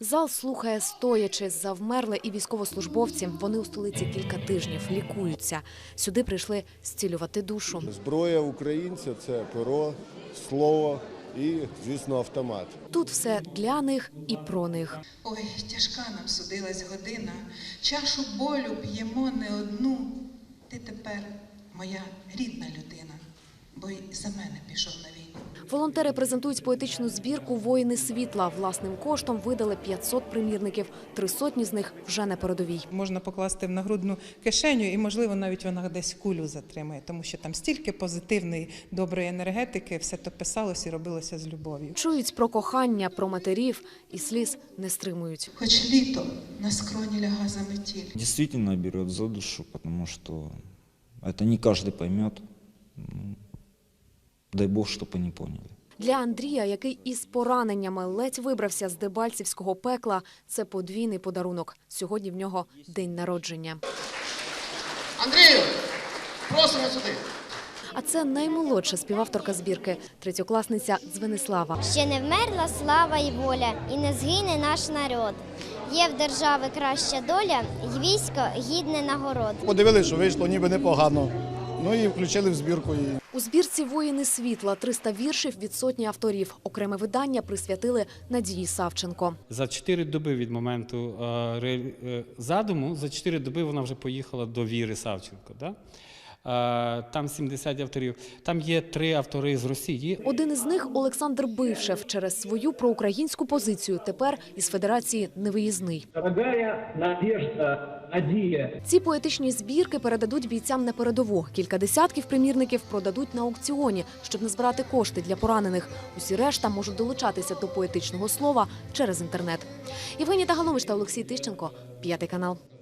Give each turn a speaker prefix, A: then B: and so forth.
A: Зал слухає стоячи, завмерли і військовослужбовці. Вони у столиці кілька тижнів, лікуються. Сюди прийшли зцілювати душу.
B: Зброя українця – це перо, слово і, звісно, автомат.
A: Тут все для них і про них.
C: Ой, тяжка нам судилась година, чашу болю п'ємо не одну. Ти тепер моя рідна людина, бо й за мене пішов на війну.
A: Волонтери презентують поетичну збірку «Воїни світла». Власним коштом видали 500 примірників. 300 з них вже на передовій.
D: Можна покласти в нагрудну кишеню і, можливо, навіть вона десь кулю затримає, тому що там стільки позитивної, доброї енергетики, все то писалось і робилося з любов'ю.
A: Чують про кохання, про матерів і сліз не стримують.
C: Хоч літо на скроні ляга заметіль.
E: Действительно берет за душу, потому что это не каждый поймет. Дай Бог, чтобы они поняли.
A: Для Андрія, який із пораненнями ледь вибрався з дебальцівського пекла, це подвійний подарунок. Сьогодні в нього день народження.
F: Андрію, просимо сюди.
A: А це наймолодша співавторка збірки, третьокласниця Дзвенислава.
G: Ще не вмерла слава і воля, і не згине наш народ. Є в держави краща доля, й військо гідне нагород.
F: Подивилися, що вийшло ніби непогано. Ну і включили в збірку її.
A: У збірці «Воїни світла» 300 віршів від сотні авторів. Окреме видання присвятили Надії Савченко.
H: За 4 доби від моменту задуму, за 4 доби вона вже поїхала до Віри Савченко. Да? Там 70 авторів. Там є 3 автори з Росії.
A: Один із них – Олександр Бившев. Через свою проукраїнську позицію тепер із Федерації невиїзний.
I: Дорогая Надежда, Надія.
A: Ці поетичні збірки передадуть бійцям на передову. Кілька десятків примірників продадуть на аукціоні, щоб назбирати кошти для поранених. Усі решта можуть долучатися до поетичного слова через інтернет. Євгенія Тагаломиш та Олексій Тищенко, 5 канал.